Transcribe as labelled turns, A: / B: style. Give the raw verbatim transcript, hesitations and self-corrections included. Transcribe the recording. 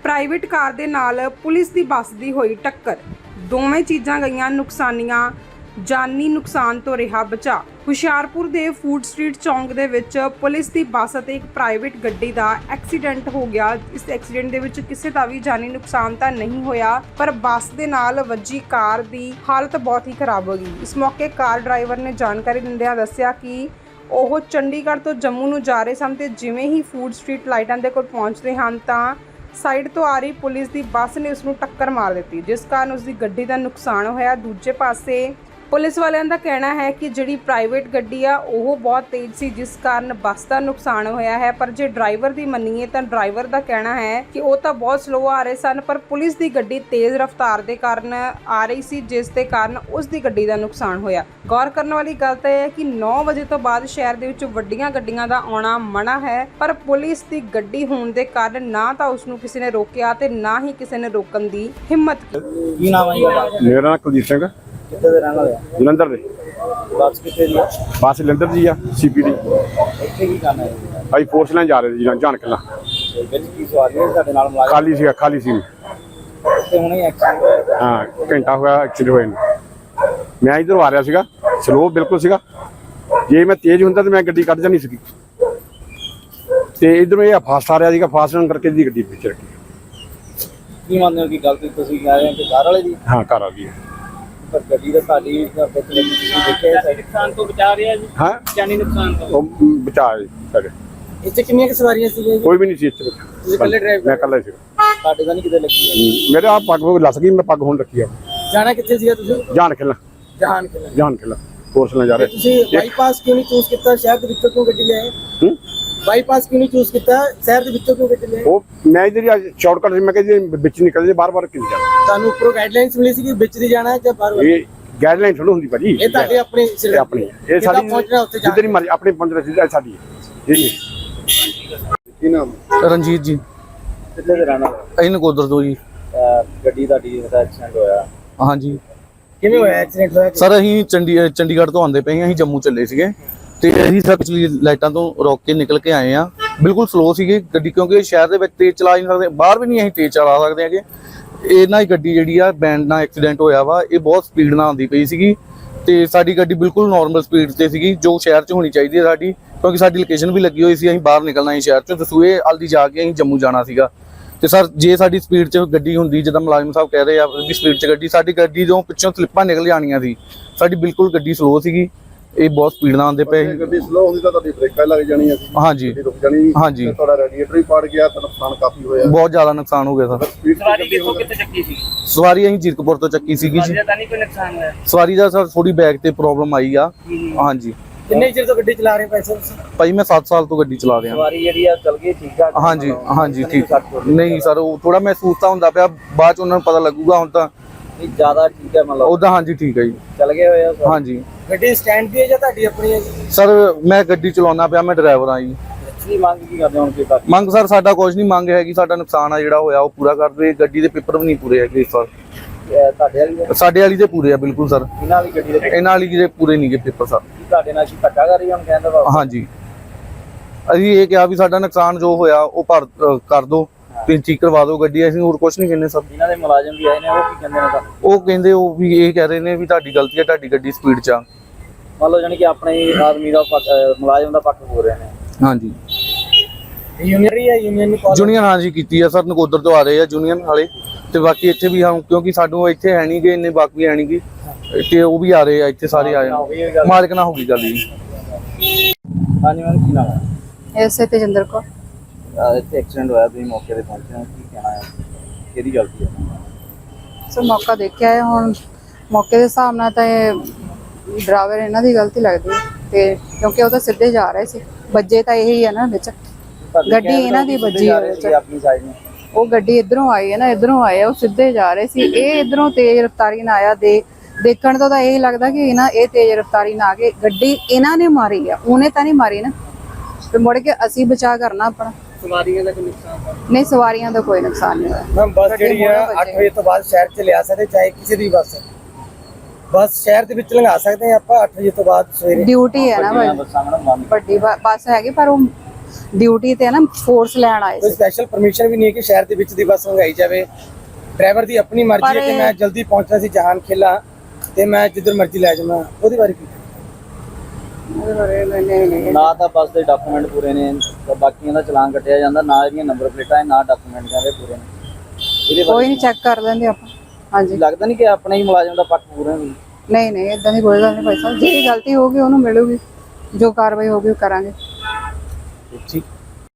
A: Private ਕਾਰ ਦੇ ਨਾਲ police ਦੀ ਬੱਸ ਦੀ ਹੋਈ ਟੱਕਰ। ਦੋਵੇਂ ਚੀਜ਼ਾਂ ਗਈਆਂ ਨੁਕਸਾਨੀਆਂ, ਜਾਨੀ ਨੁਕਸਾਨ ਤੋਂ ਰਿਹਾ ਬਚਾ। ਹੁਸ਼ਿਆਰਪੁਰ ਦੇ ਫੂਡ ਸਟਰੀਟ ਚੌਂਕ ਦੇ ਵਿੱਚ ਪੁਲਿਸ ਦੀ ਬੱਸ ਅਤੇ ਇੱਕ ਪ੍ਰਾਈਵੇਟ ਗੱਡੀ ਦਾ ਐਕਸੀਡੈਂਟ ਹੋ ਗਿਆ। ਇਸ ਐਕਸੀਡੈਂਟ ਦੇ ਵਿੱਚ ਕਿਸੇ ਦਾ ਵੀ ਜਾਨੀ ਨੁਕਸਾਨ ਤਾਂ ਨਹੀਂ ਹੋਇਆ, ਪਰ ਬੱਸ ਦੇ ਨਾਲ ਵੱਜੀ ਕਾਰ ਦੀ ਹਾਲਤ ਬਹੁਤ ਹੀ ਖਰਾਬ ਹੋ ਗਈ। ਇਸ ਮੌਕੇ ਕਾਰ ਡਰਾਈਵਰ ਨੇ ਜਾਣਕਾਰੀ ਦਿੰਦਿਆਂ ਦੱਸਿਆ ਕਿ ਉਹ ਚੰਡੀਗੜ੍ਹ ਤੋਂ ਜੰਮੂ ਨੂੰ ਜਾ ਰਹੇ ਸਨ ਤੇ ਜਿਵੇਂ ਹੀ ਫੂਡ ਸਟਰੀਟ ਲਾਈਟਾਂ ਦੇ ਕੋਲ ਪਹੁੰਚਦੇ ਹਨ ਤਾਂ ਸਾਈਡ ਤੋਂ ਆ ਰਹੀ ਪੁਲਿਸ ਦੀ ਬੱਸ ਨੇ ਉਸ ਨੂੰ ਟੱਕਰ ਮਾਰ ਦਿੱਤੀ, ਜਿਸ ਕਾਰਨ ਉਸ ਦੀ ਗੱਡੀ ਦਾ ਨੁਕਸਾਨ ਹੋਇਆ। ਦੂਜੇ ਪਾਸੇ ਪੁਲਿਸ ਵਾਲਿਆਂ ਦਾ ਕਹਿਣਾ ਹੈ ਕਿ ਜਿਹੜੀ ਪ੍ਰਾਈਵੇਟ ਗੱਡੀ ਆ ਉਹ ਬਹੁਤ ਤੇਜ਼ ਸੀ, ਜਿਸ ਕਾਰਨ ਬੱਸ ਦਾ ਨੁਕਸਾਨ ਹੋਇਆ ਹੈ। ਪਰ ਜੇ ਡਰਾਈਵਰ ਦੀ ਮੰਨੀਏ ਤਾਂ ਡਰਾਈਵਰ ਦਾ ਕਹਿਣਾ ਹੈ ਕਿ ਉਹ ਤਾਂ ਬਹੁਤ ਸਲੋ ਆ ਰਹੇ ਸਨ, ਪਰ ਪੁਲਿਸ ਦੀ ਗੱਡੀ ਤੇਜ਼ ਰਫ਼ਤਾਰ ਦੇ ਕਾਰਨ ਆ ਰਹੀ ਸੀ, ਜਿਸ ਦੇ ਕਾਰਨ ਉਸ ਦੀ ਗੱਡੀ ਦਾ ਨੁਕਸਾਨ ਹੋਇਆ। ਗੌਰ ਕਰਨ ਵਾਲੀ ਗੱਲ ਤਾਂ ਇਹ ਹੈ ਕਿ ਨੌ ਵਜੇ ਤੋਂ ਬਾਅਦ ਸ਼ਹਿਰ ਦੇ ਵਿੱਚ ਵੱਡੀਆਂ ਗੱਡੀਆਂ ਦਾ ਆਉਣਾ ਮਨਾ ਹੈ, ਪਰ ਪੁਲਿਸ ਦੀ ਗੱਡੀ ਹੋਣ ਦੇ ਕਾਰਨ ਨਾ ਤਾਂ ਉਸ ਨੂੰ ਕਿਸੇ ਨੇ ਰੋਕਿਆ ਤੇ ਨਾ ਹੀ ਕਿਸੇ ਨੇ ਰੋਕਣ ਦੀ ਹਿੰਮਤ ਕੀਤੀ।
B: ਕੀ ਨਾਮ ਹੈ ਤੁਹਾਡਾ?
C: ਮੇਰਾ ਨਾਮ ਕੁਲਦੀਪ ਸਿੰਘ।
B: ਕਿੱਥੇ ਦੇ ਰਹਿਣ ਵਾਲੇ ਆ?
C: ਜਲੰਧਰ ਦੇ।
B: ਬੱਸ ਕਿੱਥੇ ਦੀ ਆ?
C: ਬੱਸ ਜਲੰਧਰ ਦੀ ਆ, ਸੀਪੀ ਦੀ।
B: ਇੱਥੇ ਕੀ ਕਰਨਾ ਹੈ?
C: ਅਸੀਂ ਫੋਰਸ ਲੈਣ ਜਾ ਰਹੇ ਸੀ ਜਾਣ ਕਿਲਾ।
B: ਵਿੱਚ ਕੀ ਸਵਾਰੀ ਹੈ ਤੁਹਾਡੇ ਨਾਲ ਮੁਲਾਜ਼ਮ?
C: ਖਾਲੀ ਸੀਗਾ, ਖਾਲੀ ਸੀ।
B: ਤੇ ਹੁਣੇ ਐਕਸੀਡੈਂਟ ਹੋਇਆ?
C: ਹਾਂ, ਘੰਟਾ ਹੋਇਆ ਐਕਸੀਡੈਂਟ ਹੋਏ ਨੂੰ। ਮੈਂ ਇੱਧਰੋਂ ਆ ਰਿਹਾ ਸੀਗਾ, ਸਲੋ ਬਿਲਕੁਲ ਸੀਗਾ। ਜੇ ਮੈਂ ਤੇਜ਼ ਹੁੰਦਾ ਤਾਂ ਮੈਂ ਗੱਡੀ ਕੱਢ ਜਾਣੀ ਸੀਗੀ, ਤੇ ਇੱਧਰੋਂ ਇਹ ਫਾਸਟ ਆ ਰਿਹਾ ਸੀਗਾ, ਫਾਸਟ ਹੋਣ ਕਰਕੇ ਦੀ ਗੱਡੀ ਪਿੱਛੇ ਰੱਖੀ।
B: ਕੀ ਮੰਨਦੇ ਹੋ ਕਿ ਗਲਤੀ ਤੁਸੀਂ ਕਹਿ ਰਹੇ ਹੋ ਕਿ ਕਾਰ ਵਾਲੇ ਦੀ?
C: ਹਾਂ, ਘਰ ਆ ਗਈ।
B: ਪਰ ਗੱਡੀ ਦਾ ਤੁਹਾਡੀ ਵਿੱਚ ਤੁਸੀਂ ਦੇਖਿਆ ਨੁਕਸਾਨ ਤੋਂ ਬਚਾ ਰਿਹਾ ਜੀ?
C: ਹਾਂ,
B: ਜਾਨੀ ਨੁਕਸਾਨ ਤੋਂ
C: ਉਹ ਬਚਾ ਸਾਡੇ।
B: ਇੱਥੇ ਕਿੰਨੀਆਂ ਕੁ ਸਵਾਰੀਆਂ ਸੀਗੀਆਂ?
C: ਕੋਈ ਵੀ ਨਹੀਂ ਸੀ ਇੱਥੇ।
B: ਤੁਸੀਂ ਇਕੱਲੇ ਡਰਾਈਵ?
C: ਮੈਂ ਇਕੱਲਾ ਸੀ।
B: ਤੁਹਾਡੇ ਤਾਂ ਨਹੀਂ ਕਿਤੇ ਲੱਗੀ?
C: ਮੇਰੇ ਆ ਪੱਗ ਲੱਸ ਗਈ, ਮੈਂ ਪੱਗ ਹੁਣ ਰੱਖੀ ਆ।
B: ਜਾਣਾ ਕਿੱਥੇ ਸੀਗਾ ਤੁਸੀਂ?
C: ਜਾਣ ਖਿਲਾ।
B: ਜਹਾਨ ਕਿਲਾ।
C: ਜਾਣ ਖਿਲਾ ਫੋਰਸ ਲੈਣ ਜਾ ਰਹੇ।
B: ਤੁਸੀਂ ਬਾਈਪਾਸ ਕਿਉਂ ਨਹੀਂ ਚੂਜ਼ ਕੀਤਾ? ਸ਼ਹਿਰ ਦੇ ਵਿੱਚੋਂ ਕਿਉਂ ਗੱਡੀ ਲਿਆਏ?
C: ਹੂੰ,
B: ਬਾਈਪਾਸ ਕਿਉਂ ਨਹੀਂ ਚੂਜ਼ ਕੀਤਾ? ਸ਼ਹਿਰ ਦੇ ਵਿੱਚੋਂ ਕਿਉਂ ਗੱਡੀ ਲਿਆਏ?
C: ਉਹ ਮੈਂ ਇਧਰ ਹੀ ਸ਼ਾਰਟਕਟ ਸੀ, ਮੈਂ ਕਿਹਾ ਜੀ ਵਿੱਚ ਨਿਕਲ ਜੇ, ਬਾਰ-ਬਾਰ ਕਿਉਂ ਜਾਣਾ।
B: ਤੁਹਾਨੂੰ ਉੱਪਰੋਂ ਗਾਈਡਲਾਈਨਸ ਮਿਲੀ ਸੀ ਕਿ ਵਿੱਚ ਦੀ ਜਾਣਾ ਹੈ ਜਾਂ ਬਾਹਰ?
C: ਇਹ ਗਾਈਡਲਾਈਨ ਥੋੜੀ ਹੁੰਦੀ ਭਾਜੀ,
B: ਇਹ ਤੁਹਾਡੇ ਆਪਣੇ
C: ਇਹ ਆਪਣੀ ਇਹ ਸਾਡੀ
B: ਪਹੁੰਚਣਾ ਉੱਥੇ ਜਾ
C: ਜਿੱਧਰ ਹੀ ਮਰਜ਼ੀ ਆਪਣੇ ਪਹੁੰਚਣਾ ਸਿੱਧਾ ਸਾਡੀ ਹੈ ਜੀ। ਕੀ ਨਾਮ?
D: ਰਣਜੀਤ ਜੀ।
B: ਕਿੱਥੇ ਦੇ ਰਹਿਣ ਵਾਲੇ?
D: ਅਸੀਂ ਨਕੋਦਰ ਤੋਂ ਜੀ।
B: ਗੱਡੀ ਤੁਹਾਡੀ ਦਾ ਐਕਸੀਡੈਂਟ ਹੋਇਆ,
D: ਹਾਂਜੀ।
B: ਕਿਵੇਂ ਹੋਇਆ ਐਕਸੀਡੈਂਟ? ਹੋਇਆ
D: ਸਰ ਅਸੀਂ ਚੰਡੀ ਚੰਡੀਗੜ੍ਹ ਤੋਂ ਆਉਂਦੇ ਪਏ ਹਾਂ, ਅਸੀਂ ਜੰਮੂ ਚੱਲੇ ਸੀਗੇ ਤੇ ਅਸੀਂ ਸਰ ਪਿਛਲੀ ਲਾਈਟਾਂ ਤੋਂ ਰੋਕ ਕੇ ਨਿਕਲ ਕੇ ਆਏ ਆ। ਬਿਲਕੁਲ ਸਲੋ ਸੀਗੀ ਗੱਡੀ, ਕਿਉਂਕਿ ਸ਼ਹਿਰ ਦੇ ਵਿੱਚ ਤੇਜ਼ ਚਲਾ ਨਹੀਂ ਸਕਦੇ, ਬਾਹਰ ਵੀ ਨਹੀਂ ਅਸੀਂ ਤੇਜ਼ ਚਲਾ ਸਕਦੇ ਹੈਗੇ। ਇਹਨਾਂ ਦੀ ਗੱਡੀ ਜਿਹੜੀ ਆ ਬੈਂਡ ਨਾਲ ਐਕਸੀਡੈਂਟ ਹੋਇਆ ਵਾ। ਇਹ ਬਹੁਤ ਸਪੀਡ ਨਾਲ ਆਉਂਦੀ ਪਈ ਸੀਗੀ ਤੇ ਸਾਡੀ ਗੱਡੀ ਬਿਲਕੁਲ ਨਾਰਮਲ ਸਪੀਡ ਤੇ ਸੀਗੀ, ਜੋ ਸ਼ਹਿਰ 'ਚ ਹੋਣੀ ਚਾਹੀਦੀ ਹੈ ਸਾਡੀ, ਕਿਉਂਕਿ ਸਾਡੀ ਲੋਕੇਸ਼ਨ ਵੀ ਲੱਗੀ ਹੋਈ ਸੀ। ਅਸੀਂ ਬਾਹਰ ਨਿਕਲਣਾ ਸੀ ਸ਼ਹਿਰ 'ਚੋਂ, ਦਸੂਏ ਹਲਦੀ ਜਾ ਕੇ ਅਸੀਂ ਜੰਮੂ ਜਾਣਾ ਸੀਗਾ। ਤੇ ਸਰ ਜੇ ਸਾਡੀ ਸਪੀਡ 'ਚ ਗੱਡੀ ਹੁੰਦੀ, ਜਿੱਦਾਂ ਮੁਲਾਜ਼ਮ ਸਾਹਿਬ ਕਹਿ ਰਹੇ ਆ ਵੀ ਸਪੀਡ 'ਚ ਗੱਡੀ, ਸਾਡੀ ਗੱਡੀ ਤੋਂ ਪਿੱਛੋਂ ਸਲਿੱਪਾਂ ਨਿਕਲ ਜਾਣੀਆਂ ਸੀ। ਸਾਡੀ ਬਿਲਕੁਲ ਗੱਡੀ ਸਲੋ ਸੀਗੀ, ਇਹ ਬਹੁਤ ਸਪੀਡ ਨਾਲ ਆਉਂਦੇ ਪਏ।
C: ਗੱਡੀ ਸਲੋ ਹੁੰਦੀ ਤਾਂ ਤੁਹਾਡੀ ਬ੍ਰੇਕਾਂ ਲੱਗ ਜਾਣੀਆਂ ਸੀ।
D: ਹਾਂਜੀ
C: ਰੁਕ ਜਾਣੀ।
D: ਹਾਂਜੀ,
C: ਤੁਹਾਡਾ ਰੈਡੀਏਟਰ ਹੀ ਪਾੜ ਗਿਆ, ਤਾਂ ਨੁਕਸਾਨ ਕਾਫੀ ਹੋਇਆ।
D: ਬਹੁਤ ਜ਼ਿਆਦਾ ਨੁਕਸਾਨ ਹੋ ਗਿਆ ਸਰ।
B: ਸਵਾਰੀ ਕਿੱਥੋਂ ਕਿੱਥੇ ਚੱਕੀ ਸੀ?
D: ਸਵਾਰੀ ਅਸੀਂ ਜੀਰਕਪੁਰ ਤੋਂ ਚੱਕੀ ਸੀਗੀ ਜੀ।
B: ਤਾਂ ਨਹੀਂ ਕੋਈ ਨੁਕਸਾਨ ਹੋਇਆ?
D: ਸਵਾਰੀ ਦਾ ਸਰ ਥੋੜੀ ਬੈਕ ਤੇ ਪ੍ਰੋਬਲਮ ਆਈ ਆ। ਹਾਂਜੀ।
B: ਕਿੰਨੇ ਚਿਰ ਤੋਂ ਗੱਡੀ ਚਲਾ ਰਹੇ ਪੈਸੇ ਤੁਸੀਂ?
D: ਭਾਈ ਮੈਂ ਸੱਤ ਸਾਲ ਤੋਂ ਗੱਡੀ ਚਲਾ ਰਿਹਾ।
B: ਸਵਾਰੀ ਜਿਹੜੀ ਆ ਚੱਲ ਗਈ ਠੀਕ ਆ?
D: ਹਾਂਜੀ ਹਾਂਜੀ ਠੀਕ। ਨਹੀਂ ਸਰ, ਉਹ ਥੋੜਾ ਮਹਿਸੂਸ ਤਾਂ ਹੁੰਦਾ ਪਿਆ, ਬਾਅਦ ਚ ਉਹਨਾਂ ਨੂੰ ਪਤਾ ਲੱਗੂਗਾ। ਹੁਣ ਤਾਂ
B: ਨਹੀਂ ਜ਼ਿਆਦਾ ਠੀਕ ਹੈ ਮਤਲਬ?
D: ਉਦਾਂ ਹਾਂਜੀ ਠੀਕ ਹੈ ਜੀ।
B: ਚੱਲ ਗਏ ਹੋਏ ਆ?
D: ਹਾਂਜੀ।
B: ਗੱਡੀ ਸਟੈਂਡ ਦੀ ਹੈ ਜਾਂ ਤੁਹਾਡੀ ਆਪਣੀ ਹੈ?
D: ਸਰ ਮੈਂ ਗੱਡੀ ਚਲਾਉਣਾ ਪਿਆ, ਮੈਂ ਡਰਾਈਵਰ ਆ ਜੀ।
B: ਕੀ ਮੰਗ ਕੀ ਕਰਦੇ ਹੁਣ? ਕੀ ਕਰਦੇ
D: ਮੰਗ ਸਰ ਸਾਡਾ ਕੁਝ ਨਹੀਂ ਮੰਗ ਹੈਗੀ, ਸਾਡਾ ਨੁਕਸਾਨ ਆ ਜਿਹੜਾ ਹੋਇਆ ਉਹ ਪੂਰਾ ਕਰ ਦੇ। ਗੱਡੀ ਦੇ ਪੇਪਰ ਵੀ ਨਹੀਂ ਪੂਰੇ ਹੈਗੇ ਸਰ।
B: ਤੁਹਾਡੇ ਵਾਲੀ?
D: ਸਾਡੇ ਵਾਲੀ ਦੇ ਪੂਰੇ ਆ ਬਿਲਕੁਲ ਸਰ।
B: ਇਹਨਾਂ ਦੀ ਗੱਡੀ ਦੇ
D: ਇਹਨਾਂ ਵਾਲੀ ਦੇ ਪੂਰੇ ਨਹੀਂ ਗੇ ਪੇਪਰ ਸਰ।
B: ਤੁਹਾਡੇ ਨਾਲ ਕੀ ਧੱਕਾ ਕਰ ਰਹੀ ਹੁਣ ਕਹਿੰਦਾ ਵਾ?
D: ਹਾਂਜੀ, ਅਸੀਂ ਇਹ ਕਿਹਾ ਵੀ ਸਾਡਾ ਨੁਕਸਾਨ ਜੋ ਹੋਇਆ ਉਹ ਭਰ ਕਰ ਦੋ, ਤੁਸੀਂ ਠੀਕ ਕਰਵਾ ਦਿਓ ਗੱਡੀ, ਅਸੀਂ ਹੋਰ ਕੁਝ ਨਹੀਂ ਕਹਿੰਦੇ ਸਰ।
B: ਇਹਨਾਂ ਦੇ ਮੁਲਾਜ਼ਮ ਵੀ ਆਏ ਨੇ, ਉਹ ਕੀ ਕਹਿੰਦੇ ਨੇ ਤੁਹਾਨੂੰ?
D: ਉਹ ਕਹਿੰਦੇ ਉਹ ਵੀ ਇਹ ਕਹਿ ਰਹੇ ਨੇ ਵੀ ਤੁਹਾਡੀ ਗਲਤੀ ਹੈ, ਤੁਹਾਡੀ ਗੱਡੀ ਸਪੀਡ 'ਚ ਆ।
B: ਮੰਨ ਲਓ ਜਾਨੀ ਕਿ ਆਪਣੇ ਆਦਮੀ ਦਾ ਪੱਖ, ਮੁਲਾਜ਼ਮ ਦਾ ਪੱਖ ਹੋ ਰਹੇ ਨੇ।
D: ਹਾਂਜੀ।
B: ਯੂਨੀਅਨ ਹੈ? ਯੂਨੀਅਨ ਨੂੰ
D: ਜੂਨੀਅਰ ਹਾਂਜੀ ਕੀਤੀ ਆ ਸਰ, ਨਕੋਦਰ ਤੋਂ ਆ ਰਹੇ ਆ ਜੂਨੀਅਰ ਵਾਲੇ, ਤੇ ਬਾਕੀ ਇੱਥੇ ਵੀ ਹਾਂ, ਕਿਉਂਕਿ ਸਾਨੂੰ ਇੱਥੇ ਹੈ ਨਹੀਂ ਗੇ ਇੰਨੇ ਬਾਕੀ ਹੈ ਨਹੀਂ ਗੇ, ਤੇ ਉਹ ਵੀ ਆ ਰਹੇ ਆ ਇੱਥੇ, ਸਾਰੇ ਆਏ ਮਾਲਕ ਨਾਲ ਹੋ ਗਈ ਗੱਲ ਜੀ।
B: ਹਾਂਜੀ ਮੈਮ, ਕੀ ਨਾਮ ਹੈ?
E: ਐਸੇ ਤੇਜਿੰਦਰ ਕੌਰ।
B: ਇੱਥੇ ਐਕਸੀਡੈਂਟ ਹੋਇਆ, ਤੁਸੀਂ ਮੌਕੇ ਤੇ ਪਹੁੰਚੇ ਹੋ, ਕੀ ਕਹਿਣਾ ਹੈ? ਕਿਹਦੀ ਗਲਤੀ ਹੈ?
E: ਸੋ ਮੌਕਾ ਦੇਖਿਆ ਹੈ, ਹੁਣ ਮੌਕੇ ਦੇ ਹਿਸਾਬ ਨਾਲ ਤਾਂ ਇਹ ਡਰਾਈਵਰ ਇਹਨਾਂ ਦੀ ਗਲਤੀ ਲੱਗਦੀ ਹੈ, ਤੇ ਕਿਉਂਕਿ ਉਹ ਤਾਂ ਸਿੱਧੇ ਜਾ ਰਹੇ ਸੀ, ਵੱਜੇ ਤਾਂ ਇਹੀ ਹੈ ਨਾ ਵਿੱਚ, ਗੱਡੀ ਇਹਨਾਂ ਦੀ ਵੱਜੀ ਹੈ ਵਿੱਚ।
B: ਆਪਣੀ ਸਾਈਡ ਨੂੰ
E: ਉਹ ਗੱਡੀ ਇਧਰੋਂ ਆਈ ਹੈ ਨਾ, ਇਧਰੋਂ ਆਏ ਆ, ਉਹ ਸਿੱਧੇ ਜਾ ਰਹੇ ਸੀ, ਇਹ ਇਧਰੋਂ ਤੇਜ਼ ਰਫ਼ਤਾਰੀ ਨਾਲ ਆਇਆ। ਦੇ ਦੇਖਣ ਤੋਂ ਤਾਂ ਇਹ ਲੱਗਦਾ ਕਿ ਇਹਨਾਂ ਇਹ ਤੇਜ਼ ਰਫ਼ਤਾਰੀ ਨਾਲ ਆ ਕੇ ਗੱਡੀ ਇਹਨਾਂ ਨੇ ਮਾਰੀ ਆ, ਉਹਨੇ ਤਾਂ ਨਹੀਂ ਮਾਰੀ ਨਾ, ਤੇ ਮੁੜ ਕੇ ਅਸੀਂ ਬਚਾ ਕਰਨਾ ਆਪਣਾ।
B: ਸਵਾਰੀਆਂ ਦਾ ਕੋਈ ਨੁਕਸਾਨ
E: ਨਹੀਂ, ਸਵਾਰੀਆਂ ਦਾ ਕੋਈ ਨੁਕਸਾਨ ਨਹੀਂ ਹੋਇਆ।
B: ਮੈਮ ਬੱਸ ਜਿਹੜੀ ਹੈ ਅੱਠ ਵਜੇ ਤੋਂ ਬਾਅਦ ਸ਼ਹਿਰ ਚ ਲਿਆ ਸਕਦੇ, ਚਾਹੇ ਕਿਸੇ ਦੀ ਬੱਸ ਬੱਸ ਸ਼ਹਿਰ ਦੇ ਵਿੱਚ ਲੰਘਾ ਸਕਦੇ ਆ ਆਪਾਂ ਅੱਠ ਵਜੇ ਤੋਂ ਬਾਅਦ ਸਵੇਰੇ?
E: ਡਿਊਟੀ ਹੈ ਨਾ ਭਾਈ, ਵੱਡੀ ਬੱਸ ਹੈਗੀ, ਪਰ ਉਹ ਡਿਊਟੀ ਤੇ ਨਾ ਫੋਰਸ ਲੈਣ ਆਏ
B: ਕੋਈ
E: ਸੀ।
B: ਸਪੈਸ਼ਲ ਪਰਮਿਸ਼ਨ ਵੀ ਨਹੀਂ ਹੈ ਕਿ ਸ਼ਹਿਰ ਦੇ ਵਿੱਚ ਦੀ ਬੱਸ ਲੰਘਾਈ ਜਾਵੇ। ਡਰਾਈਵਰ ਦੀ ਆਪਣੀ ਮਰਜ਼ੀ ਹੈ
E: ਪਰ
B: ਕਿ
E: ਇਹ-
B: ਮੈਂ ਜਲਦੀ ਪਹੁੰਚਣਾ ਸੀ ਜਹਾਨ ਖੇਲਾ ਤੇ ਮੈਂ ਜਿੱਧਰ ਮਰਜ਼ੀ ਲੈ ਜਾਵਾਂ, ਉਹਦੇ ਬਾਰੇ ਕੀ?
F: ਨਾ ਤਾਂ ਬੱਸ ਦੇ ਡਾਕੂਮੈਂਟ ਪੂਰੇ ਨੇ, ਤਾਂ ਬਾਕੀਆਂ ਦਾ ਚਲਾਨ ਕੱਟਿਆ ਜਾਂਦਾ, ਨਾ ਇਹਦੀਆਂ ਨੰਬਰ ਪਲੇਟਾਂ ਨਾ ਡਾਕੂਮੈਂਟ ਕਹਿੰਦੇ ਪੂਰੇ ਨੇ। ਇਹਦੇ
E: ਕੋਈ
F: ਬਾਰੇ
E: ਨਹੀਂ ਚੈੱਕ ਕਰ ਲੈਂਦੇ ਆਪਾਂ। ਹਾਂਜੀ
F: ਲੱਗਦਾ ਨਹੀਂ ਕਿ ਆਪਣੇ ਹੀ ਮੁਲਾਜ਼ਮ ਦਾ ਪੱਖ ਪੂਰਾ ਨਹੀਂ।
E: ਨਹੀਂ ਨਹੀਂ ਇਦਾਂ ਦੀ ਕੋਈ ਗੱਲ ਨਹੀਂ ਭਾਈ ਸਾਹਿਬ, ਜਿਹੜੀ ਗਲਤੀ ਹੋਊਗੀ ਉਹਨੂੰ ਮਿਲੂਗੀ, ਜੋ ਕਾਰਵਾਈ ਹੋਊਗੀ ਉਹ ਕਰਾਂਗੇ।
F: ਠੀਕ।